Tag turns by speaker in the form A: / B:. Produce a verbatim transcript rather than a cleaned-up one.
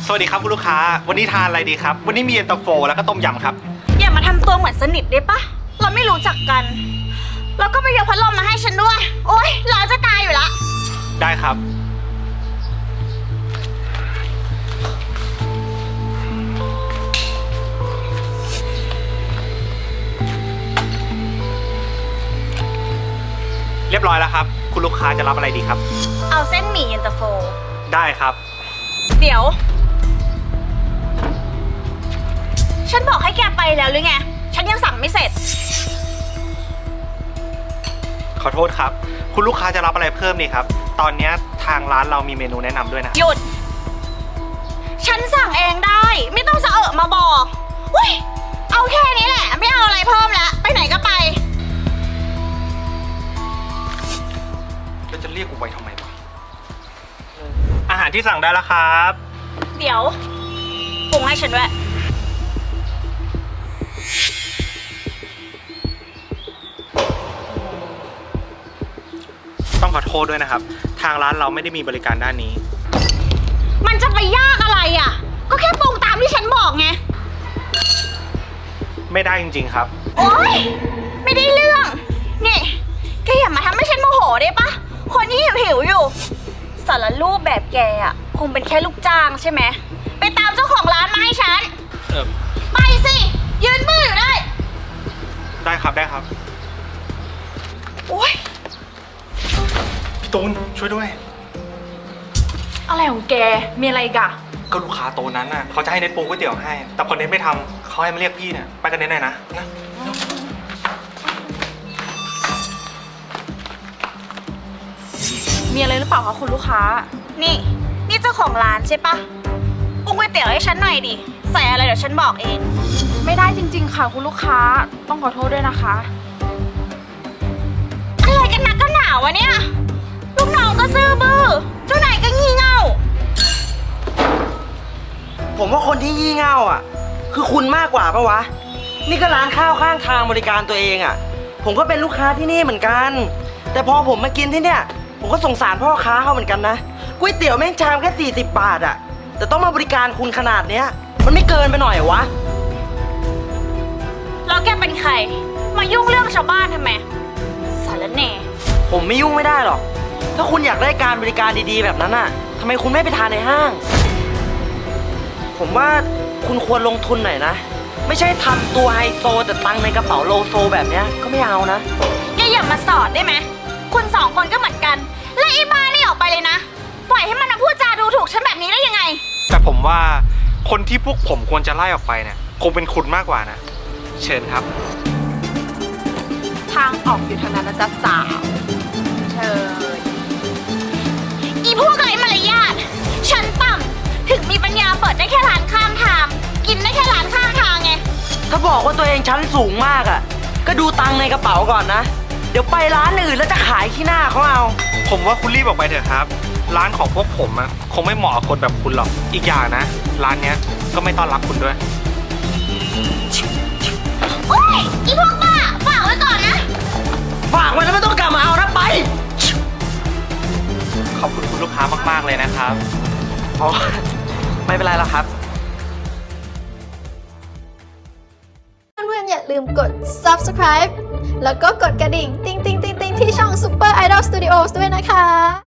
A: สวัสดีครับคุณลูกค้าวันนี้ทานอะไรดีครับวันนี้มีเย็นตาโฟแล้วก็ต้มยำครับ
B: อย่ามาทำตัวเหมือนสนิทได้ปะเราไม่รู้จักกันแล้วก็ไปยกพัดลมมาให้ฉันด้วยโอ๊ยร้อนจะตายอยู่ละ
A: ได้ครับเรียบร้อยแล้วครับคุณลูกค้าจะรับอะไรดีครับ
B: เอาเส้นหมี่เย็นตาโฟ
A: ได้ครับ
B: เดี๋ยวฉันบอกให้แกไปแล้วหรือไงฉันยังสั่งไม่เสร็จ
A: ขอโทษครับคุณลูกค้าจะรับอะไรเพิ่มนี่ครับตอนนี้ทางร้านเรามีเมนูแนะนำด้วยนะ
B: หยุดฉันสั่งเองได้ไม่ต้องสะเอะมาบอกอุ้ยเอาแค่นี้แหละไม่เอาอะไรเพิ่มแล้วไปไหนก็ไป
A: แล้วจะเรียกกูไปทำไมวะอาหารที่สั่งได้แล้วครับ
B: เดี๋ยวปรุงให้ฉันด้วย
A: ต้องขอโทษด้วยนะครับทางร้านเราไม่ได้มีบริการด้านนี้
B: มันจะไปยากอะไรอ่ะก็แค่ปรุงตามที่ฉันบอกไง
A: ไม่ได้จริงๆครับ
B: โอ๊ยไม่ได้เรื่องนี่แกอย่ามาทำให้ฉันโมโหได้ปะคนที่หิวหิวอยู่สารรูปแบบแกอ่ะคงเป็นแค่ลูกจ้างใช่ไหมไปตามเจ้าของร้านมาให้ฉัน
A: เออ
B: ไปสิยืนมืออยู่ได้
A: ได้ครับได้ครับ
B: โอ๊ย
A: พี่ตูนช่วยด้วย
C: อะไรของแกมีอะไรกะ
A: ก็ลูกค้าโตนั้นน่ะเขาจะให้เน็ตปรุงก๋วยเตี๋ยวให้แต่พอเน็ตไม่ทำเขาให้มาเรียกพี่เนี่ยไปกันเน็ตหน่อยนะนะ
C: มีอะไรหรือเปล่าคะคุณลูกค้า
B: นี่นี่เจ้าของร้านใช่ปะปรุงก๋วยเตี๋ยวให้ฉันหน่อยดิใส่อะไรเดี๋ยวฉันบอกเอง
C: ไม่ได้จริงๆค่ะคุณลูกค้าต้องขอโทษด้วยนะคะ
B: อะไรกันนักกันหนาวะเนี่ยลูกน้องก็ซื่อบื้อเจ้านายก็งี่เง่า
D: ผมว่าคนที่งี่เง่าอ่ะคือคุณมากกว่าปะวะนี่ก็ร้านข้าวข้างทางบริการตัวเองอ่ะผมก็เป็นลูกค้าที่นี่เหมือนกันแต่พอผมมากินที่เนี่ยผมก็สงสารพ่อค้าเขาเหมือนกันนะก๋วยเตี๋ยวแม่งชามแค่สี่สิบบาทอ่ะแต่ต้องมาบริการคุณขนาดเนี้ยมันไม่เกินไปหน่อยเหรอวะ
B: แล้วแกเป็นใครมายุ่งเรื่องชาวบ้านทำไมสารแหน่
D: ผมไม่ยุ่งไม่ได้หรอกถ้าคุณอยากได้การบริการดีๆแบบนั้นน่ะทำไมคุณไม่ไปทานในห้างผมว่าคุณควรลงทุนหน่อยนะไม่ใช่ทำตัวไฮโซแต่ตังในกระเป๋าโลโซแบบเนี้ยก็ไม่เอานะ
B: แกอย่ามาสอดได้ไหมคุณสองคนก็เหมือนกันและไอ้บ้านี่ออกไปเลยนะปล่อยให้มันมาพูดจาดูถูกฉันแบบนี้ได้ยังไง
A: แต่ผมว่าคนที่พวกผมควรจะไล่ออกไปเนี่ยคงเป็นคุณมากกว่านะเชิญครับ
C: ทางออกอยู่ทางนั้นนะจ๊ะสาวเชิญ
B: อีพวกไร้มารยาทฉันต่ำถึงมีปัญญาเปิดได้แค่ร้านข้างทางกินได้แค่ร้านข้างทางไง
D: ถ้าบอกว่าตัวเองชั้นสูงมากอ่ะก็ดูตังในกระเป๋าก่อนนะเดี๋ยวไปร้านอื่นแล้วจะขายขี้หน้าเขาเอา
A: ผมว่าคุณรีบออกไปเถอะครับร้านของพวกผมอะคงไม่เหมาะกับคนแบบคุณหรอกอีกอย่างนะร้านเนี้ยก็ไม่ต้อนรับคุณด้วย
B: โอ๊ยอีพวกบ้าฝากไว้ก่อนนะ
D: ฝากไว้แล้วไม่ต้องกลับมาเอานะไป
A: ขอบคุณคุณลูกค้ามากๆเลยนะครับ
D: อ๋อไม่เป็นไรหรอกครับ
E: เพื่อนๆอย่าลืมกด ซับสไครบ์ แล้วก็กดกระดิ่งติ๊งติ๊งติ๊งติ๊งที่ช่อง Super Idol Studios ด้วยนะคะ